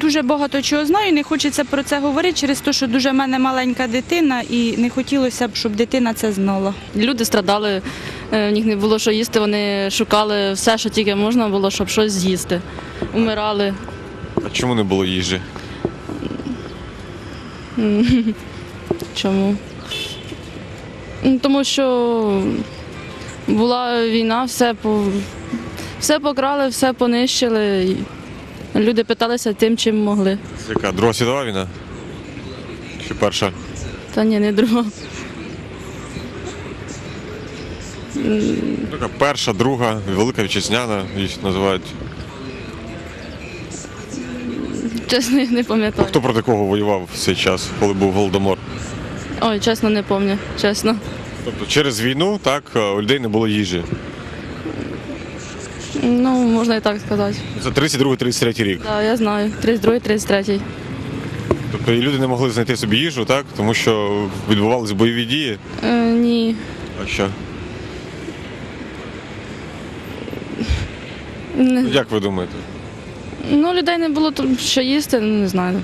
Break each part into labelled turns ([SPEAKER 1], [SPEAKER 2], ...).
[SPEAKER 1] дуже багато чого знаю, не хочеться про це говорити через те, що дуже в мене маленька дитина і не хотілося б, щоб дитина це знала.
[SPEAKER 2] Люди страдали, в них не було що їсти, вони шукали все, що тільки можна було, щоб щось з'їсти. Умирали.
[SPEAKER 3] А чому не було їжі?
[SPEAKER 2] Чому? Тому що була війна, все покрали, все понищили. І люди питалися тим, чим могли.
[SPEAKER 3] Це яка? Друга світова війна? Чи перша?
[SPEAKER 2] Та ні, не друга.
[SPEAKER 3] Така перша, друга, Велика Вітчизняна, їх називають.
[SPEAKER 2] Чесно, я не пам'ятаю.
[SPEAKER 3] Хто проти кого воював в цей час, коли був Голодомор?
[SPEAKER 2] Ой, чесно, не пам'ятаю, чесно.
[SPEAKER 3] Тобто через війну, так, у людей не було їжі.
[SPEAKER 2] Ну, можна і так сказати.
[SPEAKER 3] Це 32-33 рік.
[SPEAKER 2] Так, я знаю. 32-й, 33-й.
[SPEAKER 3] Тобто і люди не могли знайти собі їжу, так? Тому що відбувалися бойові дії.
[SPEAKER 2] Ні.
[SPEAKER 3] А що?
[SPEAKER 2] Не-
[SPEAKER 3] Як ви думаєте?
[SPEAKER 2] Ну, людей не було тут що їсти, ну, не знаю.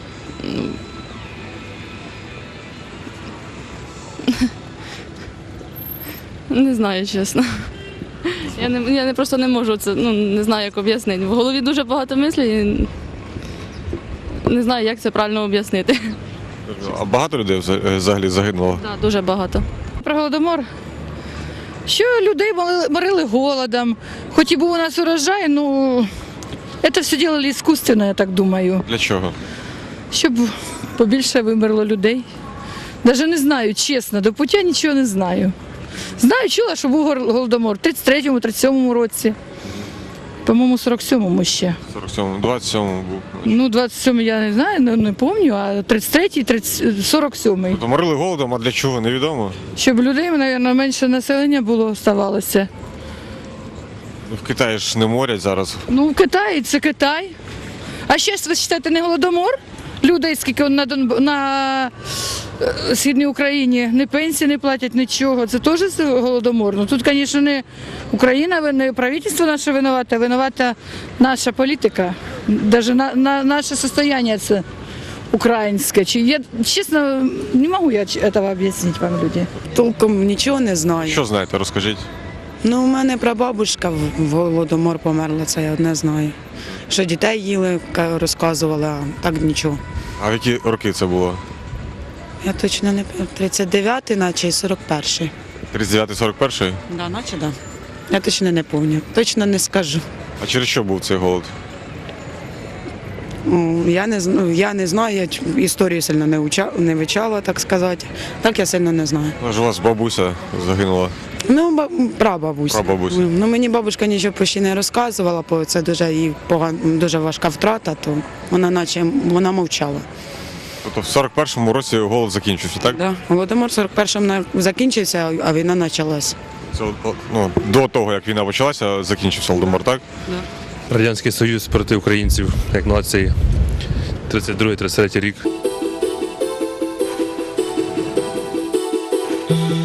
[SPEAKER 2] Не знаю, чесно. Я просто не можу це, не знаю, як об'яснити. В голові дуже багато мислів і не знаю, як це правильно об'яснити.
[SPEAKER 3] А багато людей взагалі загинуло?
[SPEAKER 2] Так, дуже багато.
[SPEAKER 4] Про Голодомор. Що людей морили голодом. Хоч і був у нас урожай, ну це все робили іскусственно, я так думаю.
[SPEAKER 3] Для чого?
[SPEAKER 4] Щоб побільше вимерло людей. Навіть не знаю, чесно, до пуття нічого не знаю. Знаю, чула, що був Голодомор в 33-му, 37-му році. По-моєму, 47-му ще.
[SPEAKER 3] 47-му, 27-му був.
[SPEAKER 4] Ну, 27-му я не знаю, не пам'ятаю, а 33-й, 47-й.
[SPEAKER 3] Тобто морили голодом, а для чого, невідомо?
[SPEAKER 4] Щоб людей, мабуть, менше населення було, ставалося.
[SPEAKER 3] В Китаї ж не морять зараз.
[SPEAKER 4] Ну, в Китаї це Китай. А ще, ви вважаєте, не Голодомор? Людей, скільки на Східній Україні, ні пенсії не платять, нічого. Це теж Голодомор. Ну, тут, звісно, не Україна, не правительство наше винувате, а винувата наша політика. Навіть наше состояние це українське. Я, чесно, не можу я цього об'яснити вам, люди.
[SPEAKER 5] Толком нічого не знаю.
[SPEAKER 3] Що знаєте, розкажіть.
[SPEAKER 5] Ну, у мене прабабушка в Голодомор померла, це я одне знаю. Що дітей їли, розказувала, а так нічого.
[SPEAKER 3] А в які роки це було?
[SPEAKER 5] Я точно не пам'ятаю, 39-й, наче і 41-й.
[SPEAKER 3] 39-41?
[SPEAKER 5] Да, наче да. Я точно не пам'ятаю, точно не скажу.
[SPEAKER 3] А через що був цей голод?
[SPEAKER 5] Я не знаю, я історію сильно не вивчала, так сказати. Так я сильно не знаю.
[SPEAKER 3] Ну, ж у вас бабуся загинула.
[SPEAKER 5] Ну, прабабуся.
[SPEAKER 3] Прабабуся.
[SPEAKER 5] Ну, мені бабушка нічого почти не розказувала, бо це дуже їй дуже важка втрата, то вона мовчала.
[SPEAKER 3] Тобто в 41-му році голод закінчився, так?
[SPEAKER 5] Да. Голодомор 41-му закінчився, а війна почалась.
[SPEAKER 3] Це, до того, як війна почалася, закінчився Голодомор, так?
[SPEAKER 6] Радянський Союз проти українців, як нації, 32-33 рік.